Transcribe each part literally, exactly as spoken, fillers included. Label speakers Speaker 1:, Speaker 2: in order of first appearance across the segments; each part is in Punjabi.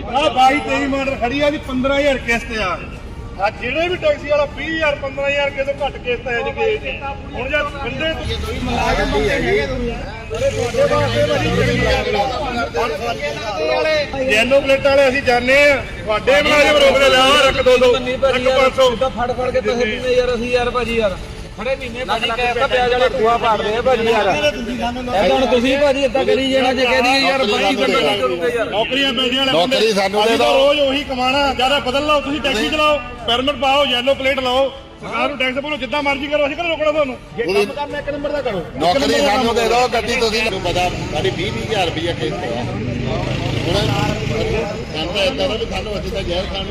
Speaker 1: ਆ ਬਾਈ ਤੇਈ ਮਾਡਲ ਖੜੀ ਆ ਜੀ ਪੰਦਰਾਂ ਹਜ਼ਾਰ ਕਿਸ਼ਤ ਆ ਆ ਜਿਹੜੇ ਵੀ ਟੈਕਸੀ ਵਾਲਾ ਵੀਹ ਹਜ਼ਾਰ ਪੰਦਰਾਂ ਹਜ਼ਾਰ ਕਿਸੇ ਤੋਂ ਘੱਟ ਕਿਸ਼ਤ ਹੈ ਜੀ ਕਿਸੇ ਦੀ ਹੁਣ ਜੇ ਬੰਦੇ ਤੁਸੀਂ ਮਲਾਜ਼ਮ ਬੰਦੇ ਹੈਗੇ ਤੁਹਾਡੇ ਵਾਸਤੇ ਬੜੀ ਯੈਲੋ ਪਲੇਟ ਵਾਲੇ ਅਸੀਂ ਜਾਣੇ ਆ ਤੁਹਾਡੇ ਮਲਾਜ਼ਮ ਰੋਕਦੇ ਲਿਆ ਰੱਖ ਦੋ ਦੋ ਇੱਕ ਪੰਜ ਸੌ
Speaker 2: ਫੜ ਫੜ ਕੇ ਪੈਸੇ ਦਿੰਦੇ ਯਾਰ ਅਸੀਂ ਯਾਰ ਭਾਜੀ ਯਾਰ ਖੜੇ ਮਹੀਨੇ ਭਾਜੀ ਕਹਿੰਦਾ ਪਿਆਜ ਵਾਲੇ ਖੂਆ ਪਾੜਦੇ ਆ ਭਾਜੀ ਯਾਰ ਇਹ ਹੁਣ ਤੁਸੀਂ ਭਾਜੀ ਇਦਾਂ ਕਰੀ ਜਾਣਾ ਜੇ ਕਹਿ ਦਈਏ ਯਾਰ ਬਾਈ ਬੰਦਾ ਕੀ ਕਰੂਗਾ ਯਾਰ
Speaker 1: ਨੌਕਰੀਆਂ ਮਿਲਦੀਆਂ
Speaker 3: ਨੌਕਰੀ ਸਾਨੂੰ ਦੇ
Speaker 1: ਦਿਓ ਰੋਜ਼ ਉਹੀ ਕਮਾਣਾ ਜਿਆਦਾ ਬਦਲ ਲਓ ਤੁਸੀਂ ਟੈਕਸੀ ਚਲਾਓ ਪਰਮਿਟ ਪਾਓ ਯੈਲੋ ਪਲੇਟ ਲਾਓ ਸਰਕਾਰ ਨੂੰ ਟੈਕਸ ਭਰੋ ਜਿੱਦਾਂ ਮਰਜ਼ੀ ਕਰੋ ਅਸੀਂ ਕਿਹੜਾ ਰੋਕਣਾ ਤੁਹਾਨੂੰ ਜੇ ਕੰਮ ਕਰਨਾ ਇੱਕ ਨੰਬਰ ਦਾ ਕਰੋ
Speaker 3: ਨੌਕਰੀ ਸਾਨੂੰ ਦੇ ਦਿਓ ਗੱਡੀ ਤੁਸੀਂ ਮੈਨੂੰ ਪਤਾ ਸਾਡੀ ਵੀਹ ਵੀਹ ਹਜ਼ਾਰ ਰੁਪਈਆ ਕਿਸ਼ਤ ਹੈ ਹੁਣ ਸਾਨੂੰ ਇਦਾਂ ਦਾ ਵੀ ਸਾਨੂੰ ਅਸੀਂ ਤਾਂ ਜ਼ਹਿਰ ਖਾਣ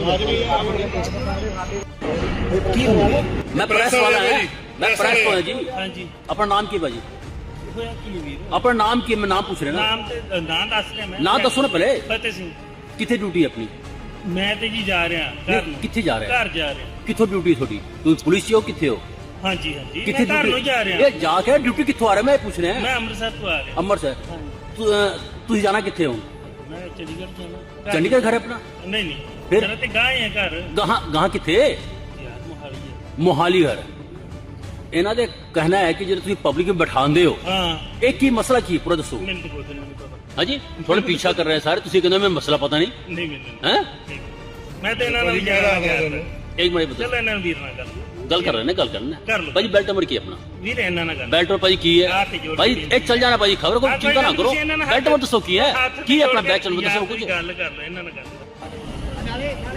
Speaker 3: ਨੂੰ
Speaker 4: मैं प्रेस वाला है मैं प्रेस वाला जी
Speaker 5: हाँ जी
Speaker 4: अपना नाम की भाजी
Speaker 5: होया की वीर
Speaker 4: अपना नाम की मैं नाम पूछ रहे ना
Speaker 5: नाम ते नाम दस रहा मैं
Speaker 4: नाम दसो ना पहले
Speaker 5: फतेह सिंह
Speaker 4: किथे ड्यूटी अपनी
Speaker 5: मैं ते जी जा रहा घर
Speaker 4: नहीं, किथे जा रहे हैं
Speaker 5: घर जा रहा
Speaker 4: किथों ड्यूटी थोड़ी तू पुलिस च हो किथे हो
Speaker 5: हाँ जी हाँ जी
Speaker 4: किथे
Speaker 5: मैं घर
Speaker 4: ड्यूटी
Speaker 5: जा रहा
Speaker 4: ये जाके ड्यूटी किथों आ रहा है मैं पूछ रहे हैं
Speaker 5: मैं अमृतसर तो आ रहा
Speaker 4: अमृतसर
Speaker 5: हाँ
Speaker 4: तू तुझे जाना किथे हो
Speaker 5: मैं चंडीगढ़ जाना
Speaker 4: चंडीगढ़ घर है अपना
Speaker 5: नहीं नहीं
Speaker 4: फिर?
Speaker 5: मेरा ते गाय है घर
Speaker 4: कहाँ कहाँ किथे
Speaker 5: यार मोहाली है
Speaker 4: मोहाली घर ਇਹਨਾਂ ਦੇ ਕਹਿਣਾ ਹੈ ਕਿ ਜਿਹੜੇ ਤੁਸੀਂ ਪਬਲਿਕ ਵਿੱਚ ਬਿਠਾਉਂਦੇ ਹੋ
Speaker 5: हाँ
Speaker 4: ਇਹ ਕੀ ਮਸਲਾ ਕੀ ਪੂਰਾ ਦੱਸੋ
Speaker 5: मैंने तो बोलते नहीं पता
Speaker 4: ਹਾਂਜੀ ਥੋੜਾ ਪਿੱਛਾ ਕਰ ਰਹੇ ਸਾਰੇ ਤੁਸੀਂ ਕਹਿੰਦੇ ਮੈਂ ਮਸਲਾ ਪਤਾ ਨਹੀਂ
Speaker 5: नहीं मैंने
Speaker 4: ਹੈ
Speaker 5: मैं तो इन्होंने भी जा रहा
Speaker 4: ਇੱਕ ਮਿੰਟ ਬਤਾ
Speaker 5: चलो इन्होंने वीर ना कर
Speaker 4: ਗੱਲ ਕਰ ਰਹੇ ਨੇ ਗੱਲ ਕਰਨਾ
Speaker 5: ਕਰ ਲਓ।
Speaker 4: ਭਾਜੀ ਬੈਲਟ ਨੰਬਰ ਕੀ ਹੈ ਆਪਣਾ
Speaker 5: वीर इन्होंने ना कर
Speaker 4: ਬੈਲਟ ਨੰਬਰ ਭਾਜੀ ਕੀ ਹੈ
Speaker 5: ਹੱਥ ਜੋੜ
Speaker 4: ਭਾਜੀ
Speaker 5: ਕੇ
Speaker 4: ਇਹ ਚੱਲ ਜਾਣਾ ਭਾਜੀ ਖਬਰ ਕੋਈ
Speaker 5: ਹਾਂ,
Speaker 4: ਚਿੰਤਾ ਨਾ
Speaker 5: ਕੋਈ
Speaker 4: ਕਰੋ
Speaker 5: ਤੁਸੀਂ ਇਹਨਾਂ ਨਾਲ
Speaker 4: ਬੈਲਟ ਨੰਬਰ ਦੱਸੋ ਕੀ ਹੈ
Speaker 5: ਹੱਥ
Speaker 4: ਕੀ ਹੈ ਆਪਣਾ
Speaker 5: ਜੋੜ
Speaker 4: ਬੈਲਟ ਨੰਬਰ
Speaker 5: ਕੇ
Speaker 4: ਦੱਸੋ
Speaker 5: ਯਾਰ
Speaker 4: ਕੁਝ
Speaker 5: ਗੱਲ ਕਰ ਲਓ ਇਹਨਾਂ ਨਾਲ ਗੱਲ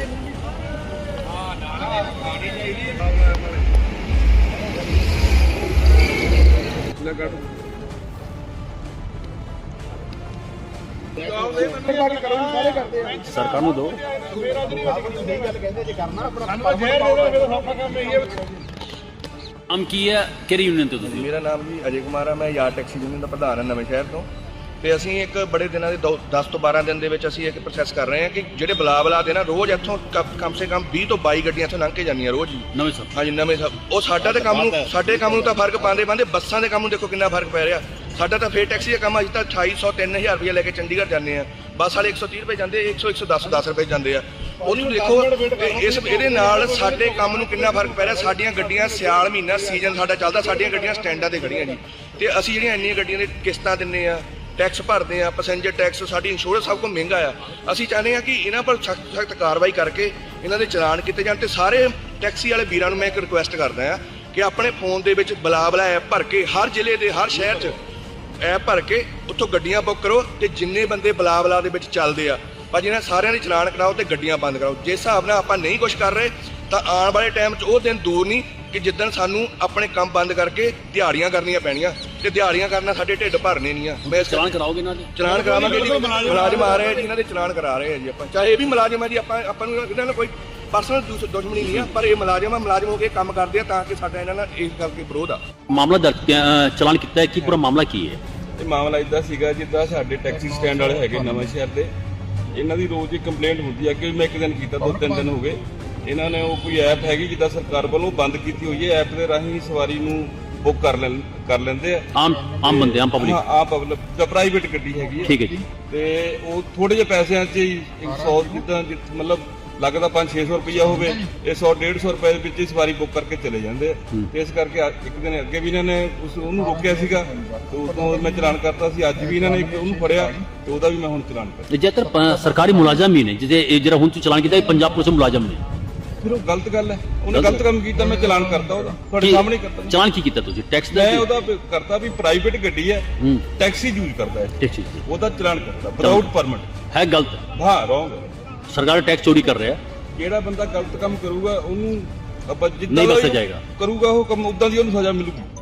Speaker 4: ਸਰਕਾਰ ਨੂੰ ਦਿਓ ਅਮ ਕੀ ਹੈ ਕਿਹੜੀ ਯੂਨੀਅਨ ਤੋਂ ਤੁਸੀਂ
Speaker 6: ਮੇਰਾ ਨਾਮ ਜੀ ਅਜੇ ਕੁਮਾਰ ਹੈ। ਮੈਂ ਯਾਰ ਟੈਕਸੀ ਯੂਨੀਅਨ ਦਾ ਪ੍ਰਧਾਨ ਹਾਂ ਨਵੇਂ ਸ਼ਹਿਰ ਤੋਂ। ਤੇ ਅਸੀਂ ਇੱਕ ਬੜੇ ਦਿਨਾਂ ਦੇ ਦਸ ਤੋਂ ਬਾਰਾਂ ਦਿਨ ਦੇ ਵਿੱਚ ਅਸੀਂ ਇੱਕ ਪ੍ਰੋਸੈਸ ਕਰ ਰਹੇ ਹਾਂ ਕਿ ਜਿਹੜੇ ਬਲਾ ਬਲਾ ਦੇ ਨਾ ਰੋਜ਼ ਇੱਥੋਂ ਕਮ ਸੇ ਕਮ ਵੀਹ ਤੋਂ ਬਾਈ ਗੱਡੀਆਂ ਇੱਥੋਂ ਲੰਘ ਕੇ ਜਾਂਦੀਆਂ ਰੋਜ਼ ਹੀ।
Speaker 4: ਨਵੇਂ ਸਰ
Speaker 6: ਹਾਂਜੀ ਨਵੇਂ ਸਭ ਉਹ ਸਾਡਾ ਤੇ ਕੰਮ ਨੂੰ ਸਾਡੇ ਕੰਮ ਨੂੰ ਤਾਂ ਫਰਕ ਪਾਉਂਦੇ ਪਾਉਂਦੇ ਬੱਸਾਂ ਦੇ ਕੰਮ ਨੂੰ ਦੇਖੋ ਕਿੰਨਾ ਫਰਕ ਪੈ ਰਿਹਾ। ਸਾਡਾ ਤਾਂ ਫੇਰ ਟੈਕਸੀ ਦਾ ਕੰਮ ਅੱਜ ਤਾਂ ਅਠਾਈ ਸੌ ਤਿੰਨ ਹਜ਼ਾਰ ਰੁਪਏ ਲੈ ਕੇ ਚੰਡੀਗੜ੍ਹ ਜਾਂਦੇ ਆ। ਬੱਸ ਵਾਲੇ ਇੱਕ ਸੌ ਤੀਹ ਰੁਪਏ ਜਾਂਦੇ ਇੱਕ ਸੌ ਇੱਕ ਸੌ ਦਸ ਦਸ ਰੁਪਏ ਜਾਂਦੇ ਆ। ਉਹਨੂੰ ਦੇਖੋ ਇਸ ਇਹਦੇ ਨਾਲ ਸਾਡੇ ਕੰਮ ਨੂੰ ਕਿੰਨਾ ਫਰਕ ਪੈ ਰਿਹਾ। ਸਾਡੀਆਂ ਗੱਡੀਆਂ ਸਿਆਲ ਮਹੀਨਾ ਸੀਜ਼ਨ ਸਾਡਾ ਚੱਲਦਾ, ਸਾਡੀਆਂ ਗੱਡੀਆਂ ਸਟੈਂਡਾਂ ਤੇ ਖੜੀਆਂ ਜੀ। ਤੇ ਅਸੀਂ ਜਿਹੜੀਆਂ ਇੰਨੀਆਂ ਗੱਡੀਆਂ ਦੇ ਕਿਸ਼ਤਾਂ ਦਿੰਦੇ ਆ, ਟੈਕਸ ਭਰਦੇ ਆ, ਪੈਸੇਂਜਰ ਟੈਕਸ, ਸਾਡੀ ਇੰਸ਼ੋਰੈਂਸ ਸਭ ਕੁਝ ਮਹਿੰਗਾ ਆ। ਅਸੀਂ ਚਾਹੁੰਦੇ ਹਾਂ ਕਿ ਇਹਨਾਂ ਪਰ ਸਖਤ ਸਖਤ ਕਾਰਵਾਈ ਕਰਕੇ ਇਹਨਾਂ ਦੇ ਚਲਾਨ ਕੀਤੇ ਜਾਣ। ਤੇ ਸਾਰੇ ਟੈਕਸੀ ਵਾਲੇ ਵੀਰਾਂ ਨੂੰ ਮੈਂ ਇੱਕ ਰਿਕੁਐਸਟ ਕਰਦਾ ਆ ਕਿ ਆਪਣੇ ਫੋਨ ਦੇ ਵਿੱਚ ਬਲਾ ਬਲਾ ਐਪ ਭਰ ਕੇ ਹਰ ਜ਼ਿਲ੍ਹੇ ਦੇ ਹਰ ਸ਼ਹਿਰ 'ਚ ਐਪ ਭਰ ਕੇ ਉੱਥੋਂ ਗੱਡੀਆਂ ਬੁੱਕ ਕਰੋ। ਤੇ ਜਿੰਨੇ ਬੰਦੇ ਬਲਾ ਬਲਾ ਦੇ ਵਿੱਚ ਚੱਲਦੇ ਆ ਭਾਜੀ ਇਹਨਾਂ ਸਾਰਿਆਂ ਦੇ ਚਲਾਨ ਕਰਾਓ ਤੇ ਗੱਡੀਆਂ ਬੰਦ ਕਰਾਓ। ਜਿਸ ਹਿਸਾਬ ਨਾਲ ਆਪਾਂ ਨਹੀਂ ਕੁਝ ਕਰ ਰਹੇ ਤਾਂ ਆਉਣ ਵਾਲੇ ਟਾਈਮ 'ਚ ਉਹ ਦਿਨ ਦੂਰ ਨਹੀਂ ਕਿ ਜਿੱਦਣ ਸਾਨੂੰ ਆਪਣੇ ਕੰਮ ਬੰਦ ਕਰਕੇ ਦਿਹਾੜੀਆਂ ਕਰਨੀਆਂ ਪੈਣੀਆਂ। ਤੇ ਦਿਹਾੜੀਆਂ ਕਰਨਾ ਸਾਡੇ ਢਿੱਡ ਭਰਨੇ ਨਹੀਂ ਆ। ਮੈਂ
Speaker 4: ਚਲਾਨ ਕਰਾਓਗੇ ਨਾ ਜੀ
Speaker 6: ਚਲਾਨ ਕਰਾਵਾਂਗੇ ਜੀ। ਮੁਲਾਜ਼ਮ ਆ ਰਹੇ ਆ ਜੀ, ਇਹਨਾਂ ਦੇ ਚਲਾਨ ਕਰਾ ਰਹੇ ਆ ਜੀ ਆਪਾਂ। ਚਾਹੇ ਇਹ ਵੀ ਮੁਲਾਜ਼ਮ ਆ ਜੀ, ਆਪਾਂ ਆਪਾਂ ਨੂੰ ਇਹਨਾਂ ਨਾਲ ਕੋਈ ਪਰਸਨਲ ਦੁਸ਼ਮਣੀ ਨਹੀਂ ਆ, ਪਰ ਇਹ ਮੁਲਾਜ਼ਮ ਆ, ਮੁਲਾਜ਼ਮ ਹੋ ਕੇ ਕੰਮ ਕਰਦੇ ਆ ਤਾਂ ਕਿ ਸਾਡਾ ਇਹਨਾਂ ਨਾਲ ਇਸ ਗੱਲ ਕੇ ਵਿਰੋਧ ਆ।
Speaker 4: ਮਾਮਲਾ ਦਰਜ ਅ, ਚਲਾਨ ਕੀਤਾ ਹੈ ਕੀ ਪੂਰਾ ਮਾਮਲਾ ਕੀ ਹੈ?
Speaker 7: ਇਹ ਮਾਮਲਾ ਇਦਾਂ ਸੀਗਾ ਜਿੱਦਾਂ ਸਾਡੇ ਟੈਕਸੀ ਸਟੈਂਡ ਵਾਲੇ ਹੈਗੇ ਨਵਾਂ ਸ਼ਹਿਰ ਦੇ, ਇਹਨਾਂ ਦੀ ਰੋਜ਼ ਦੀ ਕੰਪਲੇਂਟ ਹੁੰਦੀ ਹੈ ਕਿ ਮੈਂ ਇੱਕ ਦਿਨ ਕੀਤਾ ਦੋ ਤਿੰਨ ਦਿਨ ਹੋ ਗਏ। ਇਹਨਾਂ ਨੇ ਉਹ ਕੋਈ ਐਪ ਹੈਗੀ ਜਿੱਦਾਂ ਸਰਕਾਰ ਵੱਲੋਂ ਬੰਦ ਕੀਤੀ ਹੋਈ ਹੈ, ਐਪ ਦੇ ਰਾਹੀਂ ਸਵਾਰੀ ਨੂੰ ਬੁੱਕ ਕਰ ਲੈਣ ਕਰ ਲੈਂਦੇ ਆ।
Speaker 4: ਆਮ ਆਮ ਬੰਦੇ ਆਮ
Speaker 7: ਹਾਂ
Speaker 4: ਪਬਲਿਕ
Speaker 7: ਆ ਪਬਲਿਕ ਦਾ ਪ੍ਰਾਈਵੇਟ ਗੱਡੀ ਹੈਗੀ ਹੈ।
Speaker 4: ਠੀਕ ਹੈ ਜੀ।
Speaker 7: ਤੇ ਉਹ ਥੋੜੇ ਜਿਹੇ ਪੈਸਿਆਂ 'ਚ ਹੀ ਸੌ ਜਿੱਦਾਂ ਜਿ- ਮਤਲਬ ਲੱਗਦਾ ਪੰਜ ਛੇ ਸੌ ਰੁਪਈਆ ਹੋਵੇ, ਇਹ ਸੌ ਡੇਢ ਸੌ ਰੁਪਏ ਦੇ ਵਿੱਚ ਹੀ ਸਵਾਰੀ ਬੁੱਕ ਕਰਕੇ ਚਲੇ ਜਾਂਦੇ ਆ। ਤੇ ਇਸ ਕਰਕੇ ਅੱਜ- ਇੱਕ ਦਿਨ ਅੱਗੇ ਵੀ ਇਹਨਾਂ ਨੇ ਉਸ ਉਹਨੂੰ ਰੋਕਿਆ ਸੀਗਾ ਤੇ ਉਦੋਂ ਮੈਂ ਚਲਾਨ ਕਰਤਾ ਸੀ। ਅੱਜ ਵੀ ਇਹਨਾਂ ਨੇ ਉਹਨੂੰ ਫੜਿਆ ਤੇ ਉਹਦਾ ਵੀ ਮੈਂ ਹੁਣ ਚਲਾਨ ਕਰਤਾ।
Speaker 4: ਜੇਕਰ ਪ- ਸਰਕਾਰੀ ਮੁਲਾਜ਼ਮ ਹੀ ਨੇ ਜਿਹਦੇ ਇਹ ਜਿਹੜਾ ਹੁਣ ਤੁਸੀਂ ਚਲਾਨ ਕੀਤਾ ਇਹ ਪੰਜਾਬ ਪੁਲਿਸ ਦੇ ਮੁਲਾਜ਼ਮ ਨੇ,
Speaker 7: ਫਿਰ ਉਹ ਗਲਤ ਗੱਲ ਹੈ। ਉਹਨੇ ਗਲਤ ਕੰਮ ਕੀਤਾ, ਮੈਂ ਚਲਾਨ ਕਰਤਾ ਉਹਦਾ ਤੁਹਾਡੇ
Speaker 4: ਕੀ-
Speaker 7: ਸਾਹਮਣੇ ਕਰਤਾ।
Speaker 4: ਚਲਾਨ ਕੀ ਕੀਤਾ ਤੁਸੀਂ ਟੈਕਸ ਦਾ?
Speaker 7: ਮੈਂ ਉਹਦਾ ਵੀ ਕਰਤਾ ਵੀ ਪ੍ਰਾਈਵੇਟ ਗੱਡੀ ਹੈ,
Speaker 4: ਹੂੰ
Speaker 7: ਟੈਕਸੀ ਯੂਜ਼ ਕਰਦਾ ਹੈ,
Speaker 4: ਠੀਕ ਠੀਕ ਠੀਕ।
Speaker 7: ਉਹਦਾ ਚਲਾਨ ਕਰਤਾ ਵਿਦਆਊਟ ਪਰਮਿਟ।
Speaker 4: ਹੈ ਗਲਤ,
Speaker 7: ਹਾਂ ਰੋਂਗ।
Speaker 4: ਸਰਕਾਰ ਟੈਕਸ ਚੋਰੀ ਕਰ ਰਿਹਾ।
Speaker 7: ਜਿਹੜਾ ਬੰਦਾ ਗਲਤ ਕੰਮ ਕਰੂਗਾ ਉਹਨੂੰ ਆਪਾਂ ਜਿੱਦਾਂ
Speaker 4: ਨਹੀਂ
Speaker 7: ਦਾ
Speaker 4: ਬਖਸ਼ਿਆ
Speaker 7: ਉਹ
Speaker 4: ਜਾਏਗਾ।
Speaker 7: ਕਰੂਗਾ ਉਹ ਕੰਮ ਉਦਾਂ ਦੀ ਉਹਨੂੰ ਸਜ਼ਾ ਮਿਲੂਗੀ।